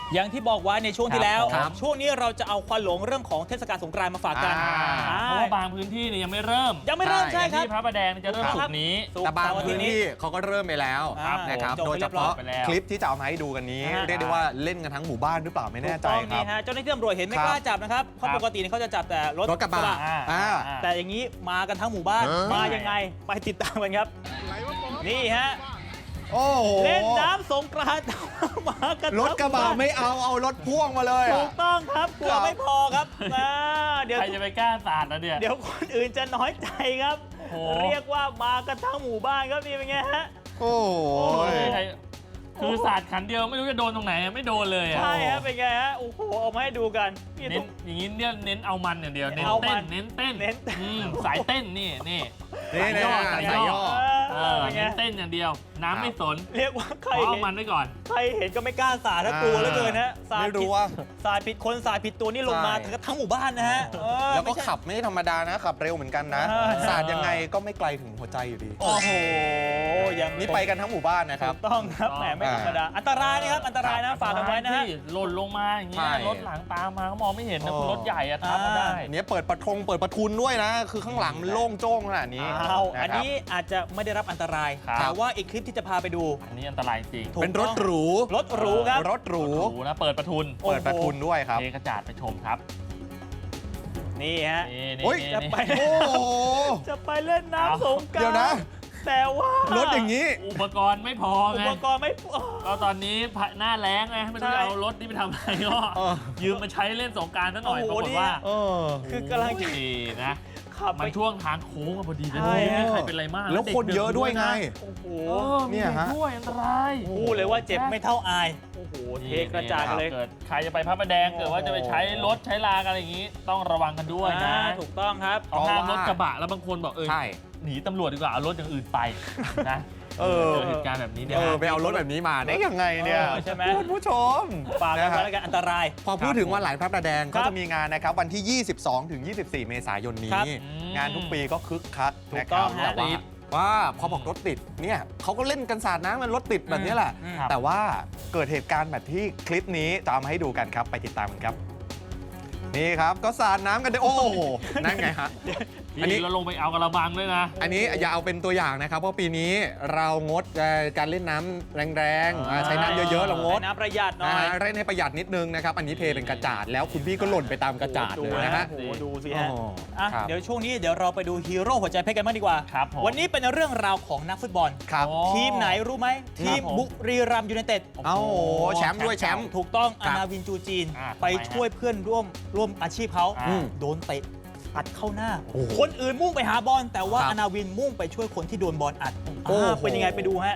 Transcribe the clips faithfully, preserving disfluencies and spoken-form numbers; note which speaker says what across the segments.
Speaker 1: อย่างที่บอกไว้ในช่วงที่แล้ว
Speaker 2: ครับ
Speaker 1: ช่วงนี้เราจะเอาควันหลงเรื่องของเทศกาลสงกรานต์มาฝากกัน
Speaker 2: อ่า
Speaker 1: อ่า
Speaker 3: เพราะว่าบางพื้นที่เนี่ยยังไม่เริ่ม
Speaker 1: ยังไม่เริ่ม
Speaker 2: ใช่
Speaker 1: ใช่ครับ
Speaker 3: ที่พระประแดงจะเริ่ม
Speaker 1: ครับ
Speaker 3: ศุกร์นี้
Speaker 1: ศุกร์
Speaker 2: แต่บาง
Speaker 1: เสร์อ
Speaker 2: พื้น
Speaker 1: ทิตย์
Speaker 2: ที่เขาก็เริ่มไปแล้ว
Speaker 1: ครับ
Speaker 2: นะครับ
Speaker 1: ผม
Speaker 2: โดยเฉพาะ
Speaker 3: จบไปแล้ว
Speaker 2: คลิปที่จะเอามาให้ดูกันนี้
Speaker 1: อ่า
Speaker 2: เรียกได้ว่าเล่นกันทั้งหมู่บ้านหรือเปล่าไม่แน่ใจ
Speaker 1: ถูกต้อง
Speaker 2: ครั
Speaker 1: นี่
Speaker 2: บ
Speaker 1: ฮะเจ้าหน้าที่ตำรวจเห็นไม่
Speaker 2: ครับ
Speaker 1: กล้าจับนะครับเพราะ
Speaker 3: ครับ
Speaker 1: ปกติเนี่ยเขาจะจับแต่รถ
Speaker 2: รถกระบะ
Speaker 3: อ่า
Speaker 2: อ่า
Speaker 3: อ่า
Speaker 1: แต่อย่างนี้มากันทั้งหมู่บ้าน
Speaker 2: เออ
Speaker 1: มายังไงไปติดตามกันครับ นี่ฮะ
Speaker 2: โอ้โห
Speaker 1: เล่นน้ำสงกรานต์มากัน
Speaker 2: รถกระบะ
Speaker 1: ทั้งหมู่บ้าน
Speaker 2: ไม่เอาเอารถพ่วงมาเลย
Speaker 1: ถู
Speaker 2: อะ
Speaker 1: กต้องครับกลัว
Speaker 2: ครับ
Speaker 1: ไม่พอครับอ่าเดี๋ยว
Speaker 3: ใครจะไปกล้าสาดแล้วเนี่ย
Speaker 1: เดี๋ยวคนอื่นจะน้อยใจครับ
Speaker 3: โอ้โห
Speaker 1: เรียกว่ามากันทั้งหมู่บ้านครับนี่เป็นไงฮะ
Speaker 2: โอ้โห
Speaker 3: โอ้ยใครคือสาดขันเดียวไม่รู้จะโดนตรงไหนอะไม่โดนเลยอะ
Speaker 1: ใช่ฮะเป็นไงฮะโอ้โหเอามาให้ดูกันนี่
Speaker 3: เน้
Speaker 1: ทุ
Speaker 3: น
Speaker 1: ก
Speaker 3: อย่างนี้เนี่ยเน้นเอามันอย่างเดียวเน้น
Speaker 1: เอามั
Speaker 3: เต้
Speaker 1: น
Speaker 3: นเน้นเต้น
Speaker 1: เน้นเต้น
Speaker 3: อืมสายเต้นนี่นี่
Speaker 2: นี่
Speaker 3: สาย
Speaker 2: นะ
Speaker 3: ย่อสายย่อ
Speaker 2: สายย่อ
Speaker 3: เอ
Speaker 1: เอ
Speaker 3: อ
Speaker 1: อเป็นไง
Speaker 3: เน้นเต้นอย่างเดียว น้ำไม่สน
Speaker 1: เรียกว่าใคร
Speaker 3: ขอเอา
Speaker 1: เห็น
Speaker 3: มันไว้ก่อน
Speaker 1: ใครเห็นก็ไม่กล้าสาดถ้ากลัวเหลือเกินฮะสาด
Speaker 2: ไม่
Speaker 1: ผิ
Speaker 2: รู้
Speaker 1: ด
Speaker 2: ว่า
Speaker 1: สาดผิดคนสาดผิดตัวนี่ลงมา
Speaker 2: ใช่
Speaker 1: ทั้งหมู่บ้านนะฮะเออ
Speaker 2: แล้วก็
Speaker 1: ไม่ใช่
Speaker 2: ขับไม่ธรรมดานะขับเร็วเหมือนกันนะ
Speaker 1: เออ
Speaker 2: สาดยังไงก็ไม่ไกลถึงหัวใจอยู่ดี
Speaker 1: โอ้โหยัง
Speaker 2: นี่ไปกันทั้งหมู่บ้านนะค
Speaker 1: ถู
Speaker 2: รับ
Speaker 1: กต้องครับแหมไม่ธรรมดาอันตรายนะครับอันตรายนะฝากกันไว้นะฮะ
Speaker 3: ที่หล่นลงมาอย่างเงี้
Speaker 2: ใช่
Speaker 3: ยรถหลังตามมาก็มองไม่เห็นนะ
Speaker 2: โอ้
Speaker 3: รถใหญ่อะทับมาได้
Speaker 2: อันนี้เปิดประทงเปิดประทุนด้วยนะ คือข้างหลังมันโล่งโจ้งขนาดนี้
Speaker 1: เอา
Speaker 2: ะ
Speaker 1: อัน
Speaker 2: ครับ
Speaker 1: นี้อาจจะไม่ได้รับอันตราย
Speaker 3: ครับ
Speaker 1: แต่ว่าอีกคลิปที่จะพาไปดู
Speaker 3: อันนี้อันตรายจริง
Speaker 1: ถูก
Speaker 2: เป็นรถหรู
Speaker 1: รถหรูครับ
Speaker 2: รถหรู
Speaker 3: หรูนะเปิดประทุน
Speaker 1: โอ้โห
Speaker 2: เปิดประทุนด้วยครับ
Speaker 3: เทกระจาดไปชมครับ
Speaker 1: นี่ฮะ
Speaker 3: นี่นี่
Speaker 2: โอ้ย
Speaker 3: นี่
Speaker 1: จะ
Speaker 3: นี่
Speaker 1: ไป
Speaker 2: โอ้โห
Speaker 1: จะไปเล่นน้ำสงกรานต์
Speaker 2: เดี๋ยวนะ
Speaker 1: แต่ว่าร
Speaker 2: ถอย่างนี้
Speaker 3: อุปกรณ์ไม่พอ
Speaker 1: อุ
Speaker 3: ไง
Speaker 1: ปกรณ์ไม่พอ
Speaker 3: ก็ตอนนี้หน้าแล้งไงไม่รู้
Speaker 1: ใช่
Speaker 3: จะเอารถนี้ไปทำอะไรก็
Speaker 2: เออ
Speaker 3: ยืมมาใช้เล่นสงกรารซะหน่อย
Speaker 1: โอ้
Speaker 3: ป
Speaker 1: โห
Speaker 3: รากฏว่า
Speaker 2: เออ
Speaker 1: คือกำลังจะ
Speaker 3: ดีนะ
Speaker 1: ขับไป
Speaker 3: มันช่วงทางโค้งอะพอดีเลย
Speaker 1: ใช่
Speaker 3: ไม่มีใครเป็นไรมาก
Speaker 2: แล้วคนเยอะด้วยไง
Speaker 1: โอ้โห
Speaker 3: โอ้มี
Speaker 2: เนี่ย
Speaker 3: เด็ก
Speaker 2: ฮะ
Speaker 3: ด้วยอันตราย
Speaker 1: พูดเลยว่าเจ็บไม่เท่าอาย โอ้โห เทกระจาดกันเลย
Speaker 3: เกิดใครจะไปพระประแดงเกิดว่าจะไปใช้รถใช้ลากันอะไรอย่างนี้ ต้องระวังกันด้วยนะ
Speaker 1: อ่าถูกต้องครับ
Speaker 3: เขาห้ามรถกระบะแล้วบางคนบอกเออ
Speaker 2: ใช่
Speaker 3: หนีตำรวจดีกว่าเอารถอย่างอื่นไปนะ
Speaker 2: เออ
Speaker 3: เจอเหตุการณ์แบบนี้เนี่ย
Speaker 2: เออไปเอารถแบบนี้มาได้ยังไงเนี่ย
Speaker 1: เออใช่ไหม
Speaker 2: คุณผู้ชม
Speaker 1: ฝากกัน
Speaker 2: นะ
Speaker 1: ไว้
Speaker 2: ฮะ
Speaker 1: แล้วกันอันตราย
Speaker 2: พอพูดถึงวันไหลพระประแดง
Speaker 1: ครั
Speaker 2: ก็
Speaker 1: บ
Speaker 2: จะมีงานนะครับวันที่ ยี่สิบสองถึงยี่สิบสี่ เมษายนนี้
Speaker 1: ครับ
Speaker 2: งานทุกปีก็คึกคัก
Speaker 1: ถู
Speaker 2: นะ
Speaker 1: ก
Speaker 2: ค
Speaker 1: ต้
Speaker 2: รั
Speaker 1: อบ งฮะ
Speaker 2: แต่ว่าว่าพอบอกรถติดเนี่ยเขาก็เล่นกันสาดน้ำมันรถติดแบบนี้แหละ
Speaker 1: อืม
Speaker 2: แต่ว่าเกิดเหตุการณ์แบบที่คลิปนี้จะเอามาให้ดูกันครับ ไปติดตามกันครับ นี่ครับก็สาดน้ำกันด้วยโอ้โหนั่นไงฮะ อันนี้
Speaker 3: พี่เราลงไปเอากระบังด้วยนะ
Speaker 2: อันนี้อย่าเอาเป็นตัวอย่างนะครับ เพราะปีนี้เรางดเอ่อการเล่นน้ำแรงๆอ่าใช้น้ำเยอะๆ เรางด
Speaker 1: ใช้น้ำประหยัดหน่
Speaker 2: นะ
Speaker 1: อย
Speaker 2: ฮะเล่นให้ประหยัดนิดนึงนะครับ อันนี้เทเป็นกระจาดแล้วคุณพี่ก็หล่นไปตามกระจาด
Speaker 1: ดู
Speaker 2: เลยนะฮะ
Speaker 1: โอ้โหดูสิฮะ
Speaker 2: อ๋อ
Speaker 1: อ่ะ
Speaker 2: ครับ
Speaker 1: เดี๋ยวช่วงนี้เดี๋ยวเราไปดูฮีโร่หัวใจเพชรกันบ้างดีกว่า
Speaker 3: ครับผม
Speaker 1: วันนี้เป็นเรื่องราวของนักฟุตบอล
Speaker 2: ครับ
Speaker 3: โอ้
Speaker 1: ทีมไหนรู้ไหม ทีม
Speaker 3: ผม
Speaker 1: บุรีรัมย์ยูไนเต็ด
Speaker 2: เอ้าแชมป์ด้วยแชมป์
Speaker 1: ถูกต้อง
Speaker 2: ค
Speaker 1: อา
Speaker 2: รับ
Speaker 1: นาวินจูจีน
Speaker 3: อ่า
Speaker 1: ไป
Speaker 3: ทำไมฮะ
Speaker 1: ช่วยเพื่อนร่วมร่วมอาชีพเขา
Speaker 3: อืม
Speaker 1: โดนเตะอัดเข้าหน้า
Speaker 2: โอ้โห
Speaker 1: คนอื่นมุ่งไปหาบอลแต่ว่า
Speaker 2: ครับ
Speaker 1: อานาวินมุ่งไปช่วยคนที่โดนบอลอัด
Speaker 2: โอ้โห
Speaker 1: อ่าเป็นยังไงไปดูฮะ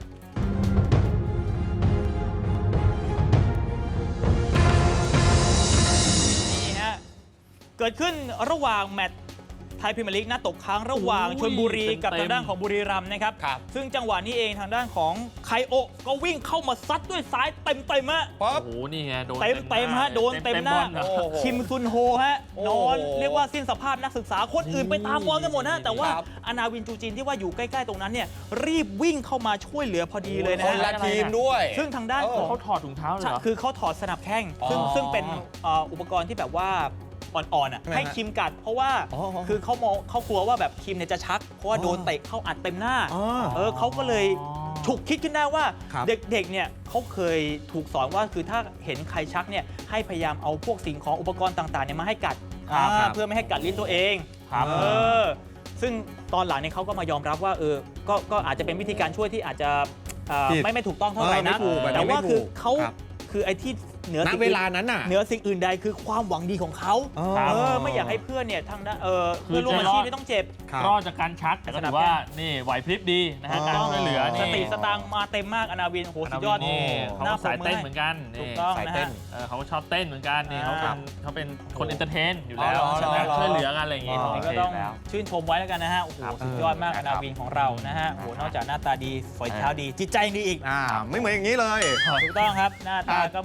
Speaker 1: นี่ฮะเกิดขึ้นระหว่างแมตช์ไทยพรีเมียร์ลีกนัดตกค้างระหว่าง
Speaker 3: โอ้ย
Speaker 1: ชลบุรีกับ
Speaker 3: เต็มๆ
Speaker 1: ทางด้านของบุรีรัมย์นะครับ
Speaker 2: ครับ
Speaker 1: ซึ่งจังหวะนี้เองทางด้านของไคโอะก็วิ่งเข้ามาซัดด้วยซ้ายเต็มๆฮะ
Speaker 2: ป๊อ
Speaker 3: โอ้
Speaker 2: บ
Speaker 3: โหนี่ไงโดน
Speaker 1: เต็มเต็มๆฮะโดนเต็มหน้า
Speaker 3: บอลเหรอ
Speaker 2: โอ้โห
Speaker 1: คิมซุนโฮฮะ
Speaker 2: โอ้
Speaker 1: น
Speaker 2: โห
Speaker 1: อนเรียกว่าสิ้นสภาพนักศึกษาคนอื่นไปตามบอลกันหมดนะแต่ว่า
Speaker 2: ครับ
Speaker 1: อานาวินจูจินที่ว่าอยู่ใกล้ๆตรงนั้นเนี่ยรีบวิ่งเข้ามาช่วยเหลือพอดีเลยนะ
Speaker 2: คนละ
Speaker 1: ฮะ
Speaker 2: ทีมด้วย
Speaker 1: ซึ่งทางด้าน
Speaker 2: เออ
Speaker 1: ของ
Speaker 3: เขาถอดถุงเท้าเลยเหรอ
Speaker 1: คือเขาถอดสนับแข้งซึ่ง
Speaker 2: อ๋อ
Speaker 1: ซึ่งเป็นเอ่ออุปกรณ์ที่แบบว่าอ่อนๆอ่ะ
Speaker 2: ใช่ไหมฮะ
Speaker 1: ให้คิมกัด เพราะว่า
Speaker 2: อ๋อ
Speaker 1: คือเขามองเขากลัวว่าแบบคิมเนี่ยจะชัก เพราะว่า
Speaker 2: อ๋อ
Speaker 1: โดนเตะเข้าอัดเต็มหน้า
Speaker 2: อ๋อ
Speaker 1: เออเขาก็เลยฉุกคิดขึ้นได้ว่า
Speaker 2: ครับ
Speaker 1: เด็กๆ เนี่ยเขาเคยถูกสอนว่าคือถ้าเห็นใครชักเนี่ยให้พยายามเอาพวกสิ่งของอุปกรณ์ต่างๆเนี่ยมาให้กัด
Speaker 3: ครับ
Speaker 1: อ่า
Speaker 2: ครับ
Speaker 1: เพื่อไม่ให้กัดลิ้นตัวเอง
Speaker 3: ครับ
Speaker 1: เออซึ่งตอนหลังเนี่ยเขาก็มายอมรับว่าเออก็ก็อาจจะเป็นวิธีการช่วยที่อาจจะเอ่อ
Speaker 2: ผิด
Speaker 1: ไม่ไม่ถูกต้องเท่าไหร่
Speaker 2: เออไม่
Speaker 1: นะ
Speaker 2: ถูกแบบนี้
Speaker 1: แต่ว่า
Speaker 2: ไม่ถูก
Speaker 1: คือเขา
Speaker 2: ครับ
Speaker 1: คือไอ้ที่เหนือ
Speaker 2: ณ
Speaker 1: สิ่ง
Speaker 2: เว
Speaker 1: อื่น
Speaker 2: ลานั้นน่ะ
Speaker 1: เหนือสิ่งอื่นใดคือความหวังดีของเขา
Speaker 3: ครับ
Speaker 1: เออไม่อยากให้เพื่อนเนี่ยทางด้านเออ
Speaker 3: คือ
Speaker 1: เพื่อนร่วมอาชีพ
Speaker 3: จะรอด
Speaker 1: ไม่ต้องเจ็บ
Speaker 2: ครับ
Speaker 3: รอดจากการชักแต่ก็ถือว่านี่ไหวพริบดีนะฮะ
Speaker 2: อ๋อ
Speaker 3: การช่วยเหลือ
Speaker 1: ส
Speaker 3: นี่
Speaker 1: ติสตางค์มาเต็มมากอนาวินโหสุดยอด
Speaker 3: นี่เขา
Speaker 1: หน้า
Speaker 3: ก็สายเต้น
Speaker 1: ปรบมือให้
Speaker 3: เหมือนกัน
Speaker 1: ถู
Speaker 3: นี่
Speaker 1: กต้อง
Speaker 2: สาย
Speaker 1: นะ
Speaker 2: เต้
Speaker 1: ฮะ
Speaker 2: น
Speaker 3: เออเขาก็ชอบเต้นเหมือนกันนี่
Speaker 1: อ่า
Speaker 3: เขาเป็นเขาเป็นคนเอนเตอร์เทนอยู่แล้ว
Speaker 2: อ๋อ
Speaker 3: ใช่ไหม
Speaker 2: เหรอ
Speaker 3: ช่วยเหลือกันอะไรอย่างงี้
Speaker 2: อ๋อ
Speaker 3: เขา
Speaker 1: นี่
Speaker 3: โอ
Speaker 1: ก็
Speaker 3: เค
Speaker 1: ต้อง
Speaker 3: แล้ว
Speaker 1: ชื่นชมไว้แล้วกันนะฮะโอ้โห
Speaker 3: ครับ
Speaker 1: สุดยอดมาก
Speaker 2: เอ
Speaker 1: อ
Speaker 2: อ
Speaker 1: นาวินของเรานะฮะโอ้โหนอกจากหน้าตาดีฝอยเท้าดี จิตใจดีอีก
Speaker 2: อ่าไม่เหมือนอย่างนี้เลย
Speaker 1: ถูกต้องครับ หน้าตาก็ไม่ดี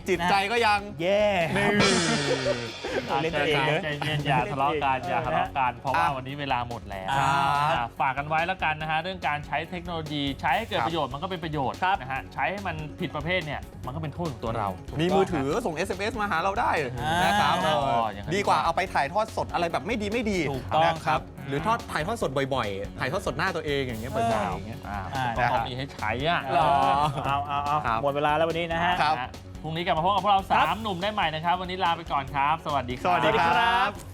Speaker 2: จิตใจก็ยัง
Speaker 1: แย่
Speaker 2: นี่
Speaker 1: เล่นตัวเองเลย
Speaker 3: ใจเย็นอย่าทะเลาะกันอย่าทะเลาะกันเพราะว่า
Speaker 2: อ่ะ
Speaker 3: วันนี้เวลาหมดแล้ว
Speaker 2: ครับ
Speaker 3: อ่ะฝากกันไว้แล้วกันนะฮะเรื่องการใช้เทคโนโลยีใช้ให้เกิด
Speaker 2: ครับ
Speaker 3: ประโยชน์มันก็เป็นประโยชน์นะฮะใช้ให้มันผิดประเภทเนี่ยมันก็เป็นโทษของตัวเรา
Speaker 2: มีมือถือส่ง เอส เอ็ม เอส มาหาเราได้นะครับ
Speaker 3: อ่า
Speaker 2: เออ
Speaker 3: อย่างนั้น
Speaker 2: ดีกว่าเอาไปถ่ายทอดสดอะไรแบบไม่ดีไม่ดี
Speaker 1: ถูกต้อง
Speaker 2: นะครับ
Speaker 3: ครับ
Speaker 2: หรือทอดถ่ายทอดสดบ่อยๆ ถ่ายทอดสดหน้าตัวเองอย่างเงี้ยบ่อยๆอย่างเงี้ย
Speaker 3: อ่า
Speaker 1: อ่า
Speaker 3: ต้องมีให้ใช้อ่ะ
Speaker 2: หรอ
Speaker 1: เอาเอาเอา
Speaker 2: ครับ
Speaker 1: หมดเวลาแล้ววันนี้นะฮะ
Speaker 2: ครับ
Speaker 3: นะฮะพรุ่งนี้กลับมาพบกับพวกเราสามหนุ่มได้ใหม่นะครับ วันนี้ลาไปก่อนครับ สวัสดีครับ
Speaker 2: สวัสดีครับ